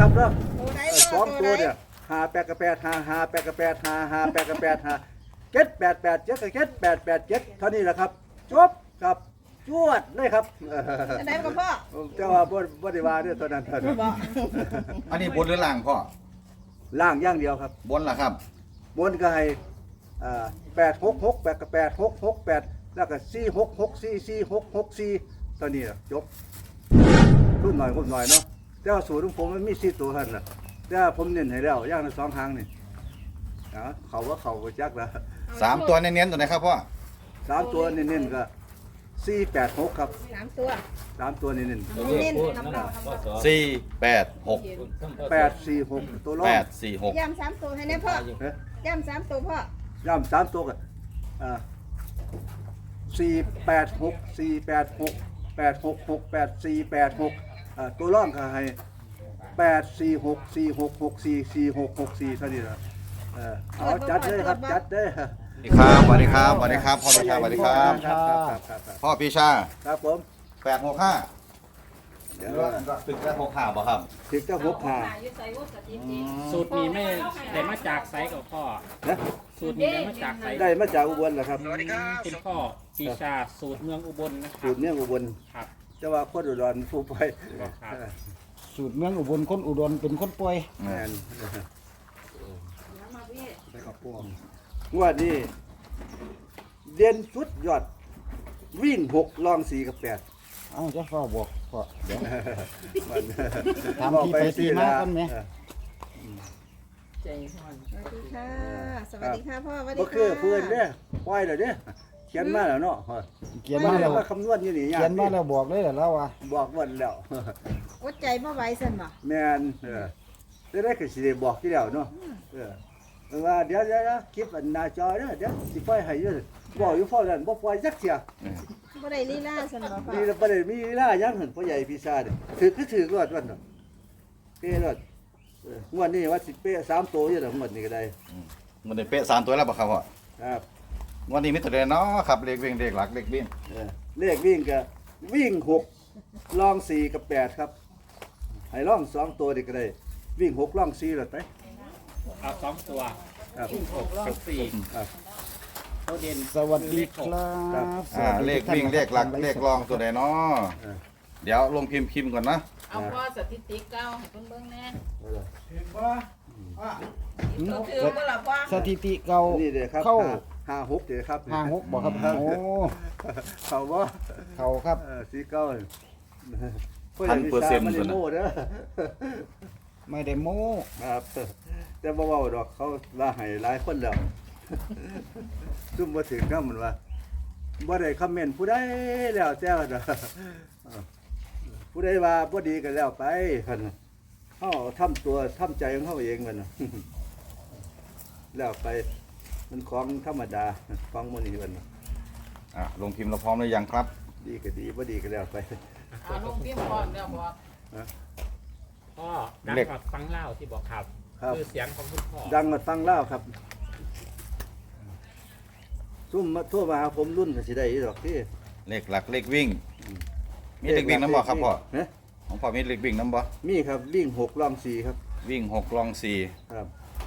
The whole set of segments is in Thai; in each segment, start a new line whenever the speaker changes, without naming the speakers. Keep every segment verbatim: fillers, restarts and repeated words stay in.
ครับเนาะ
ตัวไหน
สองตัวเนี่ยหาแปดกับแปดหาหาแปดกับแปดหาหาแปดกับแปดหาเจ็ดแปดแปดเจ็ดกับเจ็ดแปดแปดเจ็ดเท่านี้แหละครับจบครับจวดเลยครับ
ตัวไหนกับพ่อ
เจ้าว่าบ่บ่ได้ว่าเด้อตอนนั้นท่าน
บอก
อันนี้บนหรือล่างพ่อ
ล่างอย่างเดียวครับ
บนล่ะครับ
บนก็ให้อ่าแปดหกหกแปดกับแปดหกหกแปดแล้วก็สี่หกหกสี่สี่หกหกสี่ตอนนี้ล่ะจบรุ่นหน่อยรุ่นหน่อยเนาะแต่ว่าสูตรของผมมันมีสี่ตัวเท่านั้นน่ะแต่ว่าผมเน้นให้แล้วอย่างละสองหางนี่อ๋อเขาว่าเขาก็จักแล้ว
สามตัวเน้นๆตัวไหนครับพ่อ
สามตัวเน้นๆก็สี่แปดหกครับ
สามตัว
สามตัวเน้น
เน้นๆครับพ่อ
สี่แปดหก
ๆแปดสี่หกตัวรอ
แป
ง
ดสี่หก
ย่ำสามตัวให้แน่พ่อ
เอ๊ะ
ย่ำสามตัวพ่อย่
ำสามตัวกันอ่าสี่แปดหกสี่แปดหกแปดหกหกแปดสี่แปดหกอ่าตัวร่องก็ให้แปดสี่หกสี่หกหกสี่สี่หกหกสี่เท่านี้ละเออเอาจัดเลยครับจัดเลย
สวัสดีครับสวัสดีครับสวัสดีครับพ่อปีชาสวัสดีครับ
ครับครับครับครับ
พ่อปีชา
ครับผม
แปดหกห้า
เดี๋ยว
ตึกแปดหกห้าบ่ครับ
ถึงจะหกขา
สูตรนี้ไม่ได้มาจากไซกับพ่อ
นะ
สูตรนี้ได้มาจากไซ
ได้มาจากอุบลเหรอครับ
คุณพ่อปีชาสูตรเมืองอุบลนะค
สู
รับ
ตรเนี้ยอุบล
ครับ
จะว่าคนอุดรผู้ไป
ครับ
สูตรเมืองอุบลคนอุดรเป็นคนป่วย
แมนงวดนี้เด่นสุดยอด วิ่งหกลองสี่กับแปด
เอ้าจะฟ้าบอกพ่อเดี๋ยว
มัน
ถามที่ไปที่มาก่อนไหม
สวัสดีค่ะ สวัสดีค่ะพ่อสวัสดี
บ่
ค่ะ
คือเพื่อนเนี่ยปล่อยเลยเนี่ยเขียนมาแล้วเนาะ
เขียนมาแล้ว
ว่าคำนวณอยู่นี่ยาก
เขียนมาแล้วบอกเลยเหรอแล้วว่า
บอกวันแล้ว
อดใจบ่ไหวสั่นบ่
แม่นเออจะได้ก็สิได้บอกที่แล้วเนาะเออว่าเดี๋ยวเดี๋ยวคลิปอันหน้าจอเด้อเดี๋ยวสิปล่อยให้อยู่บอกอยู่พอนั้นบ่ปล่อยจักเที่ย
บ่ได้ลีลาสั่นบ่พ่อ
นี่บ่ได้มีเวลายังหั่นพ่อใหญ่พี่ชาเด้ถือคือถือรอดวันเนาะเป้รอดเอองวดนี้ว่าสิเป้สามตัวอยู่ดอกงวดนี้ก็ได้
มันได้เป๊ะสามตัวแล้วบ่ครับพ่อ
ครับ
วันนี้มิตรเดนเนาะครับเลขวิ่งเลขหลักเลขวิ่ง
เออเลขวิ่งก็วิ่งหกลองสี่กับแปดครับให้ลองสองตัวนี่ก็ได้ วิ่งหกลองสี่แล้วไป
เอาสองตัว
ครับ
หกกับสี่
ครับ
ตัวเด่น
สวัสดีครั
ครับ
บ
อ่าเลขวิ่งเลขหลักเลขรองตัวใดเนาะ
เออ
เดี๋ยวลงพิมพ์พิมพ์ก่อนนะ
เอาพ่อสถิติเก้าให้เพิ่นเบิ่งแหน่
เอาล่ะ
หืม
ก็คือบ่ล่ะพ่อ
สถิติเก่า
นี่เด้อครับ
เข้า
ห้าห้าหกเด้อครับ
ห้าหกบอกครับโอ้
เขาว่า
เขาครับ
เออสีเก้า
พันเปอร์เซ็นต์
มัน
ส่วน
โม่เด้อ
ไม่ได้โม้
ครับแต่บ่เว้าดอกเขาว่าให้หลายคนแล้ว ซุ่มบ่ถึงนำมันว่าบ่ได้คอมเมนต์ผู้ใดแล้วแต่ว่าเด้อเออผู้ใดว่าบ่ดีก็แล้วไปคั่นเฮาทำตัวทำใจของเฮาเองมันน่ะ แล้วไปมันของธรรมดาของมื้อนี้มันน่ะ
อ่ะลงพิมพ์เราพร้อมหรือยังครับ
ดีก็ดีบ่ดีก็แล้วไป
เอาลงพิมพ์พร้อมแล้วบอก
พ่อดังกว่าฟังเล่าที่บอกครับ
ครับ
คือเสียงของคุณพ่อ
ดังมาฟังเล่าวครับซุ่มมาโทั่วมาหาผมรุ่นก็สิได้อีดอกที่
เลขหลักเลขวิ่ง มีเลขวิ่งน้ำบ่ครับพ่อ
ฮะ
ของพ่อมีเลขวิ่งน้ำบ่
มีครับวิ่งหกล่องสี่ครับ
วิ่งหกรองสี่
ครับ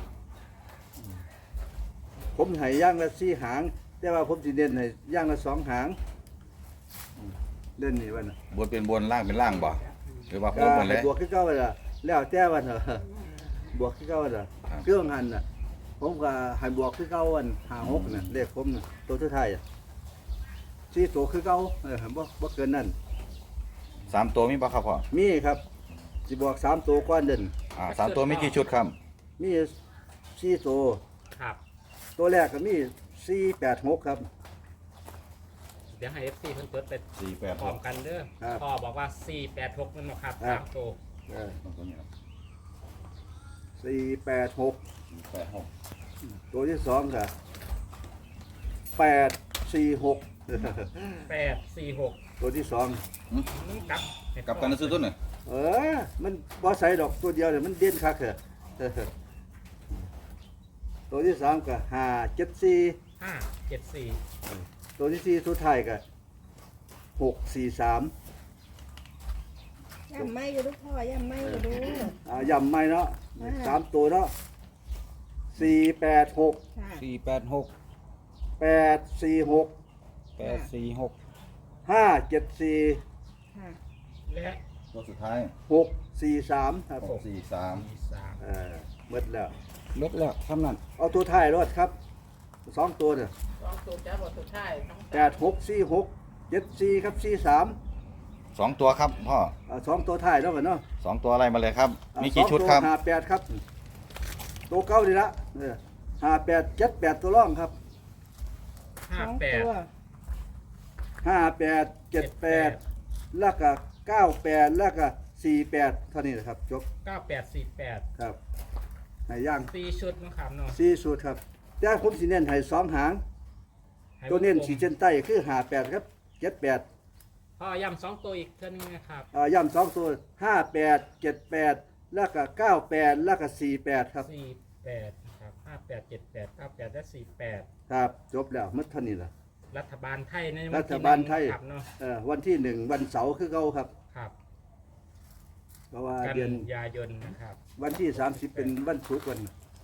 ผมให้ย่างละสี่หาง แต่ว่าผมสิเด่นให้ย่างละสองหางอืมเล่นนี่วันน่ะ
บนเป็นบนล่างเป็นล่างบ่หรือว่าโค้
ก็
งหมดเล
ให้
ย
บวกขึ้นเก้าวันละแล้วแต่วันน่ะ บวกขึ้นเก้าวันละ
ครับ
เครื่องหันน่ะ ผมก็ให้บวกขึ้นเก้าวันหาหกน่ะเลขผมน่ะตัวสุดท้ายอ่ะสี่ตัวคือเก้าเออบ่บ่เกินนั่น
สามตัวมีบ่ครับพ่อ
มีครับสิบอกสามตัวก้อนเด่น
อ่าสามตัวมีกี่ชุดครับ
มีสี่ตัว
ครับ
ตัวแรกก็มีสี่แปดหกครับ
เดี๋ยวให้เอฟซีเพิ่นเปิดไป
สี่แปด
พร้อมกันเด้อ
ครับ
พ่อบอกว่าสี่แปดหกนั่นเนาะครับ
ครั
สา
บ
มตัว
สี่แปดหก
แปดหก
ตัวที่สองก็แปดสี่หก
แปดสี่หก
ตัวที่สอง
กับ
กับกันซื้อต้นหน่อย
เออมันบ่ใส่ดอกตัวเดียวเนี่ยมันเด่นคักเหรอ ตัวที่สามก็ห้าเจ็ดสี่
ห้าเจ็ดสี่
ตัวที่สี่สุดท้ายก็หกสี่สาม
ย่ำไม่อยู่ลูกพ่อย่ำไม่อยู่ดู
อ่าย่ำไม่เนาะ
อ่า
สามตัวเนาะสี่แปดหก
ค่ะ
สี่แปดหก
แปดสี่หก
แปดสี่หก
ห้าเจ็ดสี่
ค่ะ
และ
ตัวสุดท้าย
หกสี่สามครับ
หกสี่สาม
มีสาม
เออหมดแล้ว
เล็กแล้วทำนั่น
เอาตัวท้ายรถครับสองตัวเนี่ย
สองตัวจ้าบทสุดท้ายต้อง
แปดหกสี่หกเจ็ดสี่ครับสี่สาม
สองตัวครับพ่อ
อ่าสองตัวท้ายเนาะกันเนาะ
สองตัวอะไรมาเลยครับ
อ่า
มีกี่ชุดครับ
สองตัวห้าแปดครับ ตัวเก้าดีละเออห้าแปดเจ็ดแปดตัวร่องครับ
ห้า
สอง
แปด
ตัว
ห้าแปดเจ็ดแปดแล้วก็เก้าแปดแล้วก็สี่แปดเท่านี้นะครับจบ
เก้าแปดสี่แปด
ครับให้ย่าง
สี่ชุดนะครับเนาะ
สี่สูตรครับแต่ผมสิเน้นให้สองหาง
ให้
ตัวเน้น
วงกลม
ขีดเส้นใต้คือห้าแปดครับเจ็ดแปด
พ่อย้ำสองตัวอีกเท่านึงนะครับ
อ่าย่ำสองตัวห้าแปดเจ็ดแปดแล้วก็เก้าแปดแล้วก็สี่แปดครับ
สี่แปดนะครับห้าแปดเจ็ดแปดเก้าแปดและสี่แปด
ครับจบแล้วหมัดเท่านี้ละ
รัฐบาลไทยใน
รั
วัน
ฐ
ที่
บาลไทย
หนึ่งครับเนาะ
เอ่อวันที่หนึ่งวันเสาร์คือเก่าครับ
ครับ
เพราะว่า
กัน
เดือน
ยายนนะครับ
วันที่สามสิบเป็นวันศุกร์วัน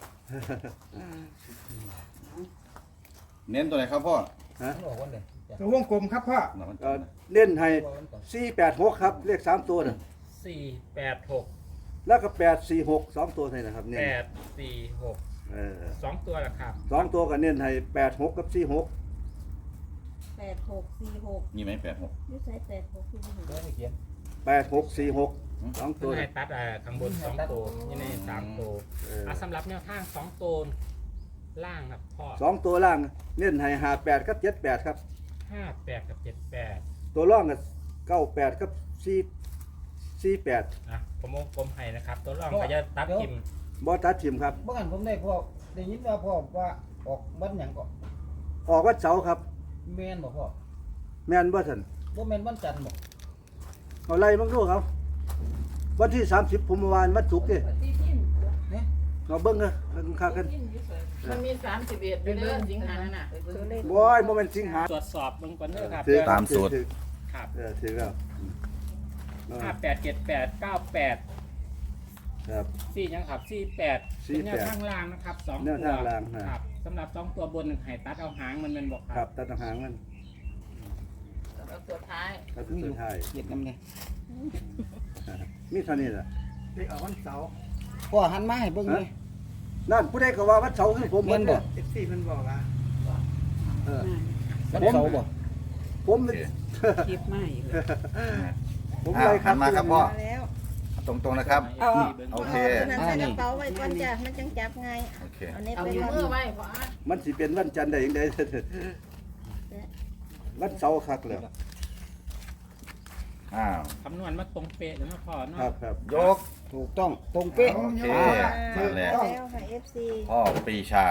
เน้นตัวไหนครับพ่อ
ฮะ
ตัววงกลมครับพ่อ
เอ่อเล่นให้สี่แปดหกครับเลขสามตัวน่ะ
สี่แปดหก
แล้วก็แปดสี่หกสองตัวเท่านั้นนะครับเนี่ย
แปดสี่หก
เออ
สองตัวละครับ
สองตัวก็เน้นให้แปดหกกับสี่หก
แปดหกสี่หก
มีไหมแปดหก
ยูใช้แปดหกสี่หก
แปดหกสี่หกสองตั
ตัว
ว
ให้
น่ะ
ตัดอ่าข้างบนสองตัวนี่ในสามตัว
เออ
อ่ะสำหรับแนวทางสองตัวล่างครับพ่อ
สองตัวล่างเน้นให้ห้าแปดกับเจ็ดแปดครับ
ห้าแปดกับเจ็ดแปด
ตัวร่องกับเก้าแปดกับสี่สี่แปด
นะผมวงกลมให้นะครับ ตัวรองก็จะตัดทิม
บอตัดทิมครับ
เมื่อกันผมได้พ่อได้ยินว่าพ่อว่าออกวันหยังก็
ออกวันเสาร์ครับ
แม่นบ่พ่อ
แม่นบ่ทัน
บ่แม่นวันจันทร์บ่
เอาไล่บ้างดูครับวันที่สามสิบผมเมื่อวานวันศุกร์นี่
ที่ทิ้น
เนี่ย
เราเบิ้งกันกันค่ากัน
มันมีสามสิบเอ็ดอยู่เด้อสิงหานั่นน่ะ
ตัวเลข
บอยโมเมนต์สิงหา
ตรวจสอบเบื้องก่อนเด้อครับ
ถือ
ตามสูตร
ถือ
ครับ
เออถือแล้วเออ
ห้าแปดเจ็ดแปดเก้าแปด
ครับ
สี่ยังครับสี่แปด
สี่
เป็น
แปด
แนวทางล่างนะครับสอง
แน
ตัว
วทางล่างฮะ
ครับสำหรับสองตัวบนหนึ่งไห้ตัดเอาหางมันเป็นบอก
ค
ค
รั
รั
บบ ตัดหางมัน
แล้วตัวท้าย
ตัดสุดท้าย
เฮ็ดนำเนี่ย
มีเท่านี้แหละ
พ่อหันมาให้เบิ่งเลย
นั่นผู้ใดก็ว่าวันเสาร์คือผม
แม่นบ่
เอฟซีมันบอกว่าเออ
วันเสาร์บ่
ผม
คลิปไม่เลย
ผม
อ่ะ
ไล่ค
หั
รับ
นมาครับพ่อ
มาแล้ว
ตรงๆนะครับ
เอา
โอเค
านั้นใส่กระเป๋าไว้ก่อนจ้ะมันจังจับไง
โอเค
เอาเน็ต
เอา
ไป
อยู่
ก่อน
มือไว้พออ่ะ
มันสิเป็นวันจันทร์ได้ยังไง วันเสาร์คักเลย
อ้าว
คำนวณมาตรงเป๊ะเลยนะพ่อเนาะ
ครับครับ
ยก
ถูกต้องตรงเป๊ะ
โอเค
อ่า
นั่นแหละ
แล้วค่ะ เอฟ ซี
พ่อปรีชา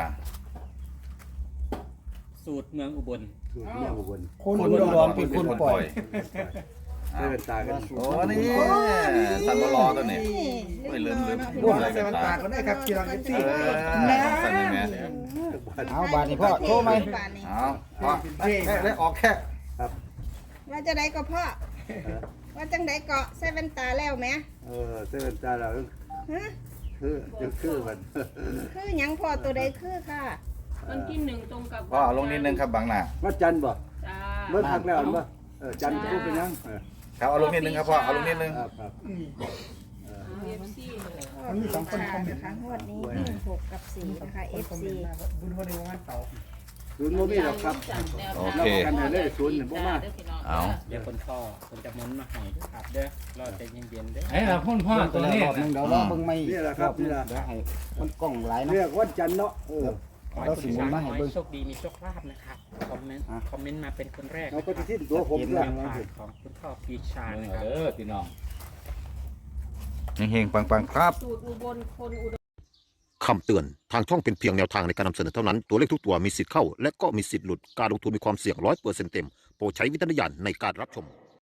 สูตรเมืองอุบล
ถูกเรื่องอุบล
คนอุดรเป็นคนปล่อย
ได้เป็นตากัน
โอ้นี่สันบลอตัวนี้ ไม่ลืมลืมลืมอะไรกันตา
ก็ได้ครับเชียร์
เออสั่นเลยแม่
เอาบาดนี้พ่อโชว์ไหม
เอาพ่อแค่ได้ออกแค่
ว่าจะได้ก็พ่อ ว่าจังไดเกาะใส่แว่นตาแล้วไหม
เออได้เป็นตาเรา
ฮะ
คือจะคือมัน
คือหยังพ่อตัวใดคือค่ะ
วันที่หนึ่งตรงกับ
พ่อเอาลงนิดนึงครับบางหน้า
วันจันทร์บ่
จ้า
เมื่อพักแล้วบ่เออจันทร์พูดเป็นยังเออ
ครับเอาลงนิดนึงครับพ่อเอาลงนิดนึง
ครับครับ
เอฟซีเลย
มันมีสองคนคอมเมนต์นะคะงวดนี้หนึ่งหกกับสี่นะคะ เอฟ ซี
ศูนย์โมมี่หรอกครับ
โอเค
กันให้เลยศูนย์เนี่ยบ่มา
เอา
เดี๋ยวคนพ่อคนจะหมุนมาให้ด้วยครับเด้อรอใจเย็นๆเด้อ
ไอ้เราพ่นพ่อ
เบิ่ง
ตัว
แล้ว
นี้
รอบหนึงเดี๋ยวรอเบิ่งใหม่อีก
นี่แหละครับ
อบหนึ่ง
นี่แหละ
เดี๋ยวให้มันกล้องหลายนะ
เรียกวันจันทร์เนาะเออ
ขอให้
เรา
คุณ
สิหมุนมาให้เบิ่ง
โชคดีมีโชคลาภนะครับคอมเมนต์
อ่ะ
คอมเมนต์มาเป็นคนแรก
เรา
นะค
ก็
รับ
จะที่ตัวผม
เห็น
เรื่อง
แนว
ว่า
ทางของคุณพ่อปีชา
เบิ่ง
นะค
เอา
รับ
เด้อพี่น้อง
เฮงๆปังๆครับ
สูตรอุบลคนอุดร
คำเตือน ทางช่องเป็นเพียงแนวทางในการนำเสนอเท่านั้น ตัวเลขทุกตัวมีสิทธิ์เข้า และก็มีสิทธิ์หลุด การลงทุนมีความเสี่ยงร้อยเปอร์เซ็นต์เต็ม โปรดใช้วิจารณญาณในการรับชม